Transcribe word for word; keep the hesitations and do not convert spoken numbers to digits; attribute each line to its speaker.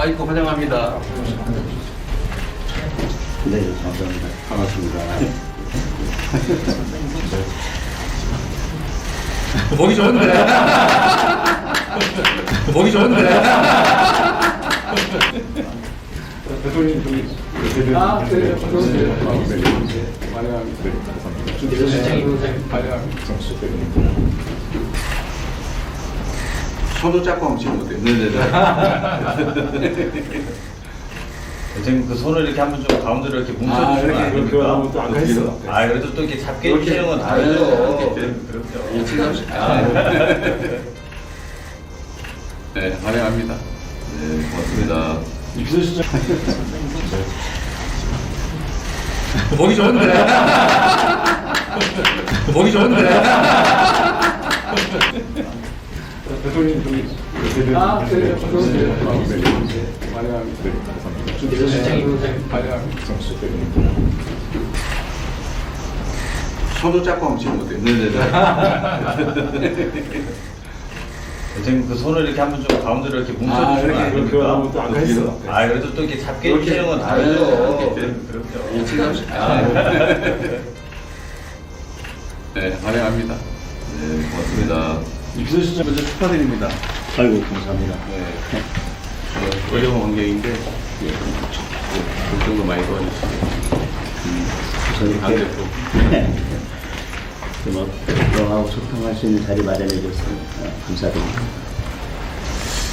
Speaker 1: 아이고 환영합니다.
Speaker 2: 네, 감사합니다. 반갑습니다.
Speaker 1: 보기 좋은데. 보기 좋은데.
Speaker 3: 대통령 좀 아, 네, 감사합니다. 환영합니다.
Speaker 1: 손을 잡고 한번 찍으면 돼요. 네네네.
Speaker 4: 선생님 그 손을 이렇게 한번 좀 가운데로 이렇게
Speaker 3: 아,
Speaker 4: 뭉쳐주시면 안
Speaker 3: 이렇게 그거 하면
Speaker 4: 됩니까?
Speaker 3: 또안 가있어.
Speaker 4: 아 그래도 또 이렇게 잡게
Speaker 1: 이렇게.
Speaker 4: 해주시는 건
Speaker 1: 아,
Speaker 4: 다르죠.
Speaker 1: 이렇게.
Speaker 4: 그렇죠.
Speaker 1: 네, 환영합니다. 네, 고맙습니다.
Speaker 3: 비서실장.
Speaker 1: 보기 좋은데. 보기 좋은데.
Speaker 3: 대통령 좀 아, 네, 감사합니다. 환영합니다.
Speaker 1: 손을 잡고 한번 찍으면 돼요. 네네네.
Speaker 4: 선생님 그 손을 이렇게 한번 좀 가운데로 이렇게
Speaker 3: 아,
Speaker 4: 뭉쳐주시면 안
Speaker 3: 이렇게 그거 하면
Speaker 4: 됩니까?
Speaker 3: 또안 가있어.
Speaker 4: 아 그래도 또 이렇게 잡게
Speaker 1: 이렇게.
Speaker 4: 해주시는 건
Speaker 1: 아,
Speaker 4: 다르죠.
Speaker 1: 이렇게.
Speaker 4: 그렇죠.
Speaker 1: 네, 환영합니다. 네, 고맙습니다.
Speaker 3: 비서실장
Speaker 1: 먼저 축하드립니다.
Speaker 2: 아이고, 감사합니다.
Speaker 1: 네. 어, 어려운 환경인데, 예, 좀 걱정도 많이 도와주시고,
Speaker 2: 저희
Speaker 1: 당
Speaker 2: 이렇게
Speaker 1: 대표.
Speaker 2: 뭐, 너하고 소통할 수 있는 자리 마련해 줘서 어, 감사드립니다.